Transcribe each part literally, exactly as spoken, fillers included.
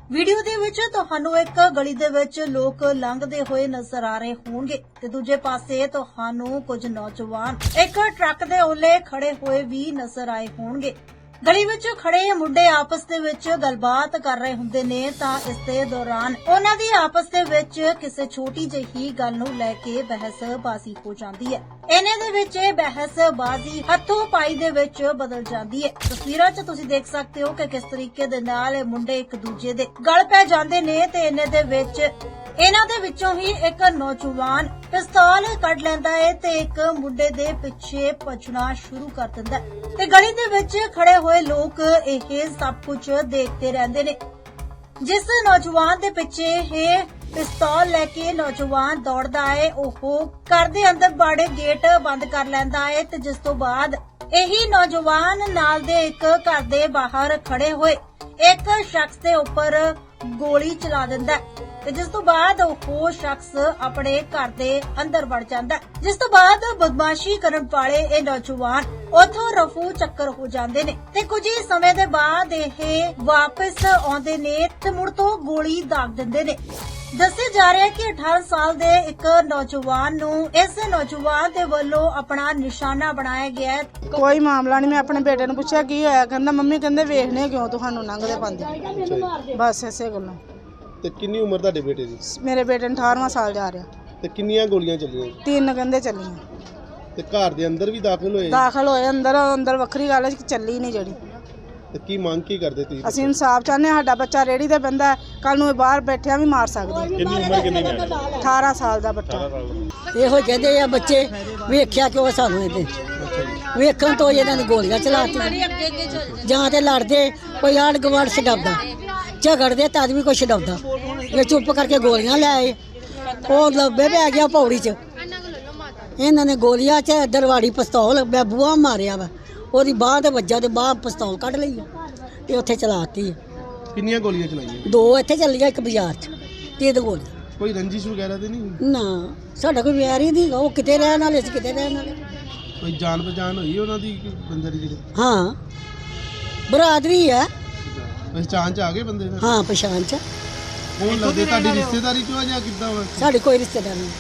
Video ਦੇ ਵਿੱਚ ਤੁਹਾਨੂੰ ਇੱਕ ਗਲੀ ਦੇ ਵਿੱਚ ਲੋਕ ਲੰਘਦੇ ਹੋਏ ਨਜ਼ਰ ਆ ਰਹੇ ਹੋਣਗੇ ਤੇ ਦੂਜੇ ਪਾਸੇ ਤੁਹਾਨੂੰ ਕੁਝ ਨੌਜਵਾਨ ਇੱਕ ਟਰੱਕ ਦੇ ਓਲੇ ਖੜੇ ਹੋਏ ਵੀ ਨਜ਼ਰ ਆਏ ਹੋਣਗੇ। ਗਲੀ ਵਿੱਚ ਖੜੇ ਮੁੰਡੇ ਆਪਸ ਦੇ ਵਿੱਚ ਗੱਲਬਾਤ ਕਰ ਰਹੇ ਹੁੰਦੇ ਨੇ ਤਾਂ ਇਸ ਦੇ ਦੌਰਾਨ ਉਹਨਾਂ ਦੀ ਆਪਸ ਦੇ ਵਿੱਚ ਕਿਸੇ ਛੋਟੀ ਜਿਹੀ ਗੱਲ ਨੂੰ ਲੈ ਕੇ ਬਹਿਸਬਾਜ਼ੀ ਹੋ ਜਾਂਦੀ ਹੈ। ਇਹਨੇ ਦੇ ਵਿੱਚ ਇਹ ਬਹਿਸਬਾਜ਼ੀ ਹੱਥੋਂ ਪਾਈ ਦੇ ਵਿੱਚ ਬਦਲ ਜਾਂਦੀ ਹੈ। ਤਸਵੀਰਾਂ 'ਚ ਤੁਸੀਂ ਦੇਖ ਸਕਦੇ ਹੋ ਕਿ ਕਿਸ ਤਰੀਕੇ ਦੇ ਨਾਲ ਇਹ ਮੁੰਡੇ ਇੱਕ ਦੂਜੇ ਦੇ ਗਲ ਪੈ ਜਾਂਦੇ ਨੇ ਤੇ ਇਹਨੇ ਦੇ ਵਿੱਚ ਇਹਨਾਂ ਦੇ ਵਿੱਚੋਂ ਹੀ ਇੱਕ ਨੌਜਵਾਨ ਪਿਸਤੌਲ ਕੱਢ ਲੈਂਦਾ ਹੈ ਤੇ ਇੱਕ ਮੁੰਡੇ ਦੇ ਪਿੱਛੇ ਭੱਜਣਾ ਸ਼ੁਰੂ ਕਰ ਦਿੰਦਾ ਹੈ ਤੇ ਗਲੀ ਦੇ ਵਿੱਚ ਖੜੇ ਹੋਏ ਲੋਕ ਇਹ ਸਭ ਕੁਝ ਦੇਖਦੇ ਰਹਿੰਦੇ ਨੇ। ਜਿਸ ਨੌਜਵਾਨ ਦੇ ਪਿੱਛੇ ਇਹ ਪਿਸਤੌਲ ਲੈ ਕੇ ਨੌਜਵਾਨ ਦੌੜਦਾ ਹੈ ਉਹ ਘਰ ਦੇ ਅੰਦਰ ਬਾੜੇ ਗੇਟ ਬੰਦ ਕਰ ਲੈਂਦਾ ਹੈ ਤੇ ਜਿਸ ਤੋਂ ਬਾਅਦ ਇਹੀ ਨੌਜਵਾਨ ਨਾਲ ਦੇ ਇੱਕ ਘਰ ਦੇ ਬਾਹਰ ਖੜੇ ਹੋਏ ਇੱਕ ਸ਼ਖਸ ਦੇ ਉੱਪਰ ਗੋਲੀ ਚਲਾ ਦਿੰਦਾ ਹੈ ਤੇ ਜਿਸ ਤੋਂ ਬਾਅਦ ਉਹ ਸ਼ਖਸ ਆਪਣੇ ਘਰ ਦੇ ਅੰਦਰ ਵੜ ਜਾਂਦਾ ਹੈ। ਜਿਸ ਤੋਂ ਬਾਅਦ ਬਦਮਾਸ਼ੀ ਕਰਨ ਵਾਲੇ ਇਹ ਨੌਜਵਾਨ ਉਥੋਂ ਰਫੂ ਚੱਕਰ ਹੋ ਜਾਂਦੇ ਨੇ ਤੇ ਕੁਝ ਹੀ ਸਮੇਂ ਦੇ ਬਾਅਦ ਇਹ ਵਾਪਸ ਆਉਂਦੇ ਨੇ ਤੇ ਮੁੜ ਤੋਂ ਗੋਲੀ ਦਾਗ ਦਿੰਦੇ ਨੇ। ਦੱਸਿਆ ਜਾ ਰਿਹਾ ਹੈ ਕਿ ਅਠਾਰਾਂ ਸਾਲ ਦੇ ਇੱਕ ਨੌਜਵਾਨ ਨੂੰ ਇਸ ਨੌਜਵਾਨ ਦੇ ਵੱਲੋਂ ਆਪਣਾ ਨਿਸ਼ਾਨਾ ਬਣਾਇਆ ਗਿਆ ਹੈ। ਕੋਈ ਮਾਮਲਾ ਨਹੀਂ। ਮੈਂ ਆਪਣੇ ਬੇਟੇ ਨੂੰ ਪੁੱਛਿਆ ਕੀ ਹੋਇਆ, ਕਹਿੰਦਾ ਮੰਮੀ ਕਹਿੰਦੇ ਵੇਖਨੇ ਕਿਉਂ ਤੁਹਾਨੂੰ ਲੰਘਦੇ ਪਾਉਂਦੇ, ਬਸ ਐਸੇ ਗੱਲਾਂ। ਤੇ ਕਿੰਨੀ ਉਮਰ ਤੁਹਾਡੇ ਬੇਟੇ ਦੀ? ਮੇਰੇ ਬੇਟੇ ਨੂੰ ਅਠਾਰਵਾਂ ਸਾਲ ਜਾ ਰਿਹਾ। ਤੇ ਕਿੰਨੀਆਂ ਗੋਲੀਆਂ ਚੱਲੀਆਂ? ਤਿੰਨ ਕਹਿੰਦੇ ਚੱਲੀਆਂ। ਤੇ ਘਰ ਦੇ ਅੰਦਰ ਵੀ ਦਾਖਲ ਹੋਏ? ਦਾਖਲ ਹੋਏ ਅੰਦਰ। ਅੰਦਰ ਵੱਖਰੀ ਗੱਲ ਹੈ ਕਿ ਚੱਲੀ ਨਹੀਂ ਜਿਹੜੀ। ਤੇ ਕੀ ਮੰਗ ਕੀ ਕਰਦੇ ਤੁਸੀਂ? ਅਸੀਂ ਇਨਸਾਫ ਚਾਹੁੰਦੇ ਹਾਂ। ਸਾਡਾ ਬੱਚਾ ਰੇੜੀ ਤੇ ਬੰਦਾ ਕੱਲ ਨੂੰ ਇਹ ਬਾਹਰ ਬੈਠਿਆ ਵੀ ਮਾਰ ਸਕਦੇ। ਕਿੰਨੀ ਉਮਰ ਕਿੰਨੀ ਹੈ? ਅਠਾਰਾਂ ਸਾਲ ਦਾ ਬੱਚਾ। ਇਹੋ ਕਹਿੰਦੇ ਆ ਬੱਚੇ ਵੇਖਿਆ ਕਿਉਂ ਸਾਨੂੰ ਇਹਦੇ ਵੇਖਣ ਤੋਂ ਇਹਨਾਂ ਨੇ ਗੋਲੀਆਂ ਚਲਾਤੀਆਂ। ਜਾਂ ਤੇ ਲੜਦੇ ਕੋਈ ਆੜ ਗਵਾੜ ਛਡਾਉਂਦਾ, ਝਗੜਦੇ ਤਦ ਵੀ ਕੋਈ ਛਡਾਉਂਦਾ। ਇਹ ਚੁੱਪ ਕਰਕੇ ਗੋਲੀਆਂ ਲੈ ਆਏ। ਉਹ ਲੱਭੇ ਪੈ ਗਿਆ ਪੌੜੀ 'ਚ। ਇਹਨਾਂ ਨੇ ਗੋਲੀਆਂ 'ਚ ਦਰਵਾੜੀ ਪਿਸਤੌਲ ਮੈਂ ਬੂਹਾ ਮਾਰਿਆ ਵਾ, ਉਹਦੀ ਬਾਂਹ ਤੇ ਵੱਜਾ ਤੇ ਬਾਂਹ ਪਿਸਤੌਲ ਕੱਢ ਲਈ ਤੇ ਉੱਥੇ ਚਲਾਤੀ। ਕਿੰਨੀਆਂ ਗੋਲੀਆਂ ਚਲਾਈਆਂ? ਦੋ ਇੱਥੇ ਚੱਲੀਆਂ, ਇੱਕ ਬਾਜ਼ਾਰ 'ਚ। ਤਿੰਨ ਗੋਲੀਆਂ। ਕੋਈ ਰੰਜਿਸ਼ ਵਗੈਰਾ ਤੇ ਨਹੀਂ? ਨਾ ਸਾਡਾ ਕੋਈ ਵਿਆਹ ਹੀ ਨਹੀਂ। ਉਹ ਕਿਤੇ ਰਹਿਣ ਵਾਲੇ ਸੀ, ਕਿਤੇ ਰਹਿਣ ਵਾਲੇ। ਕੋਈ ਜਾਣ ਪਛਾਣ ਹੋਈ ਉਹਨਾਂ ਦੀ ਬੰਦੇ ਦੀ? ਜਿਹੜੇ ਹਾਂ ਬਰਾਦਰੀ ਹੈ। ਪਛਾਣ ਚ ਆ ਗਏ ਬੰਦੇ? ਹਾਂ ਪਛਾਣ ਚ। ਉਹ ਲੱਗਦੇ ਤੁਹਾਡੀ ਰਿਸ਼ਤੇਦਾਰੀ ਚੋਂ ਆ ਜਾਂ ਕਿੱਦਾਂ ਵਾ? ਸਾਡੇ ਕੋਈ ਰਿਸ਼ਤੇਦਾਰ ਨਹੀਂ।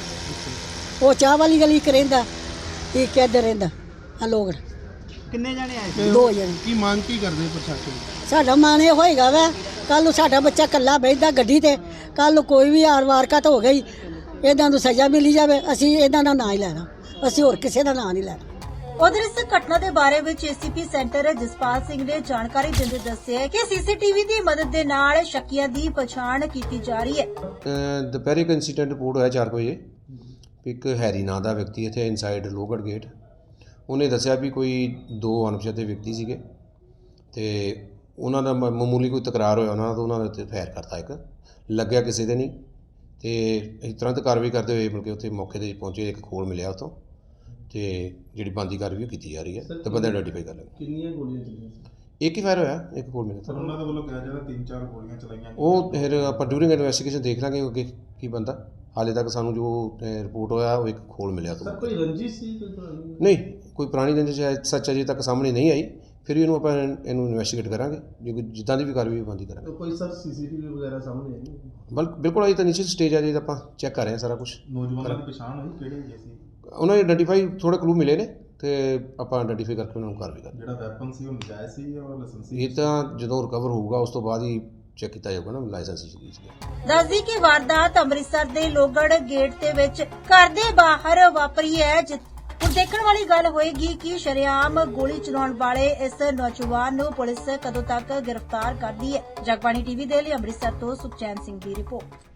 ਉਹ ਚਾਹ ਵਾਲੀ ਗਲੀ ਇੱਕ ਰਹਿੰਦਾ, ਇੱਕ ਇੱਧਰ ਰਹਿੰਦਾ। ਆ ਲੋਕ ਕਿੰਨੇ ਜਾਣੇ ਆਏ? ਦੋ ਜਣੇ। ਕੀ ਮੰਗ ਕੀ ਕਰਦੇ ਪ੍ਰਸ਼ਾਸਨ? ਸਾਡਾ ਮਨ ਇਹ ਹੋਏਗਾ ਵਾ ਕੱਲ ਨੂੰ ਸਾਡਾ ਬੱਚਾ ਇਕੱਲਾ ਬੈਠਦਾ ਗੱਡੀ ਤੇ, ਕੱਲ ਨੂੰ ਕੋਈ ਵੀ ਆਰ ਵਾਰਕਤ ਹੋ ਗਈ ਇਹਨਾਂ ਨੂੰ ਸਜ਼ਾ ਮਿਲੀ ਜਾਵੇ। ਅਸੀਂ ਇਹਨਾਂ ਦਾ ਨਾਂ ਹੀ ਲੈਣਾ, ਅਸੀਂ ਹੋਰ ਕਿਸੇ ਦਾ ਨਾਂ ਨਹੀਂ ਲੈਣਾ। ਉਧਰ ਇਸ ਘਟਨਾ ਦੇ ਬਾਰੇ ਵਿੱਚ ਏਸੀਪੀ ਸੈਂਟਰ ਜਸਪਾਲ ਸਿੰਘ ਨੇ ਜਾਣਕਾਰੀ ਦਿੰਦੇ ਦੱਸਿਆ ਕਿ ਸੀਸੀਟੀਵੀ ਦੀ ਮਦਦ ਦੇ ਨਾਲ ਸ਼ੱਕੀਆਂ ਦੀ ਪਛਾਣ ਕੀਤੀ ਜਾ ਰਹੀ ਹੈ। ਦੁਪਹਿਰੇ ਇੱਕ ਇਨਸੀਡੈਂਟ ਰਿਪੋਰਟ ਹੋਇਆ ਚਾਰ ਵਜੇ। ਇੱਕ ਹੈਰੀ ਨਾਂ ਦਾ ਵਿਅਕਤੀ ਇੱਥੇ ਇਨਸਾਈਡ ਲੋਹਗੜ੍ਹ ਗੇਟ, ਉਹਨੇ ਦੱਸਿਆ ਵੀ ਕੋਈ ਦੋ ਅਣਪਛਾਤੇ ਵਿਅਕਤੀ ਸੀਗੇ ਤੇ ਉਹਨਾਂ ਦਾ ਮ- ਮਾਮੂਲੀ ਕੋਈ ਤਕਰਾਰ ਹੋਇਆ ਉਹਨਾਂ ਦਾ, ਉਹਨਾਂ ਦੇ ਉੱਤੇ ਫਾਇਰ ਕਰਤਾ। ਇੱਕ ਲੱਗਿਆ ਕਿਸੇ ਦੇ ਨਹੀਂ ਤੇ ਅਸੀਂ ਤੁਰੰਤ ਕਾਰਵਾਈ ਕਰਦੇ ਹੋਏ ਬਲਕਿ ਉੱਥੇ ਮੌਕੇ 'ਤੇ ਪਹੁੰਚੇ। ਇੱਕ ਖੋਲ ਮਿਲਿਆ ਉੱਥੋਂ ਤੇ ਜਿਹੜੀ ਬਣਦੀ ਕਾਰਵਾਈ ਉਹ ਕੀਤੀ ਜਾ ਰਹੀ ਹੈ ਤੇ ਬੰਦੇ ਆਈਡੈਂਟੀਫਾਈ ਕਰ ਲਾਂਗੇ। ਕਿੰਨੀਆਂ ਗੋਲੀਆਂ ਚੱਲੀਆਂ? ਇੱਕ ਹੀ ਫਾਇਰ ਹੋਇਆ, ਇੱਕ ਖੋਲ ਮਿਲਿਆ। ਉਹਨਾਂ ਦੇ ਵੱਲੋਂ ਕਿਹਾ ਜਾਂਦਾ ਤਿੰਨ ਚਾਰ ਗੋਲੀਆਂ ਚਲਾਈਆਂ। ਉਹ ਫਿਰ ਆਪਾਂ ਡਿਊਰਿੰਗ ਇਨਵੈਸਟੀਗੇਸ਼ਨ ਦੇਖ ਲਾਂਗੇ ਅੱਗੇ ਕੀ ਬੰਦਾ। ਹਾਲੇ ਤੱਕ ਸਾਨੂੰ ਜੋ ਰਿਪੋਰਟ ਹੋਇਆ ਉਹ ਇੱਕ ਖੋਲ ਮਿਲਿਆ ਤੋਂ। ਕੋਈ ਰੰਜਿਸ਼ ਸੀ ਕੋਈ ਪੁਰਾਣੀ? ਨਹੀਂ, ਕੋਈ ਪੁਰਾਣੀ ਰੰਜਿਸ਼ ਸੱਚ ਅਜੇ ਤੱਕ ਸਾਹਮਣੇ ਨਹੀਂ ਆਈ। ਫਿਰ ਵੀ ਇਹਨੂੰ ਆਪਾਂ ਇਹਨੂੰ ਇਨਵੈਸਟੀਗੇਟ ਕਰਾਂਗੇ, ਜੇ ਕੋਈ ਜਿੱਦਾਂ ਦੀ ਵੀ ਕਾਰਵਾਈ ਬੰਦੀ ਕਰਾਂਗੇ। ਕੋਈ ਸਰ ਸੀਸੀਟੀਵੀ ਵਗੈਰਾ ਸਾਹਮਣੇ ਆਈ? ਬਲ ਬਿਲਕੁਲ ਅਜੇ ਤਾਂ ਨੀਚੇ ਸਟੇਜ ਆ, ਜੇ ਆਪਾਂ ਚੈੱਕ ਕਰ ਰਹੇ ਹਾਂ ਸਾਰਾ ਕੁਝ। ਨੌਜਵਾਨਾਂ ਦੀ ਪਛਾਣ ਹੋਈ ਕਿਹੜੇ ਹੈਗੇ ਸੀ? ਉਹਨਾਂ ਨੇ ਆਈਡੈਂਟੀਫਾਈ ਥੋੜ੍ਹੇ ਕਲੂ ਮਿਲੇ ਨੇ ਤੇ ਆਪਾਂ ਆਈਡੈਂਟੀਫਾਈ ਕਰਕੇ ਉਹਨਾਂ ਨੂੰ ਕਾਰਵਾਈ ਕਰਾਂਗੇ। ਜਿਹੜਾ ਵੈਪਨ ਸੀ ਉਹ ਨਜਾਇਜ਼ ਸੀ ਜਾਂ ਲਾਇਸੈਂਸੀ? ਇਹ ਤਾਂ ਜਦੋਂ ਰਿਕਵਰ ਹੋਊਗਾ ਉਸ ਤੋਂ ਬਾਅਦ ਹੀ ਚੈੱਕ ਕੀਤਾ ਜਾਊਗਾ ਨਾ ਲਾਇਸੈਂਸ ਸੀ। ਦੱਸਦੀ ਕਿ ਵਾਰਦਾਤ ਅੰਮ੍ਰਿਤਸਰ ਦੇ ਲੋਹਗੜ੍ਹ ਗੇਟ ਦੇ ਵਿੱਚ ਘਰ ਦੇ ਬਾਹਰ ਵਾਪਰੀ ਹੈ। ਹੁਣ ਦੇਖਣ ਵਾਲੀ ਗੱਲ ਹੋਏਗੀ ਕਿ ਸ਼ਰੇਆਮ ਗੋਲੀ ਚਲਾਉਣ ਵਾਲੇ ਇਸ ਨੌਜਵਾਨ ਨੂੰ ਪੁਲਿਸ ਕਦੋਂ ਤੱਕ ਗ੍ਰਿਫਤਾਰ ਕਰਦੀ ਹੈ। ਜਗਬਾਣੀ ਟੀਵੀ ਦੇ ਲਈ ਅੰਮ੍ਰਿਤਸਰ ਤੋਂ ਸੁਖਚੈਨ ਸਿੰਘ ਦੀ ਰਿਪੋਰਟ।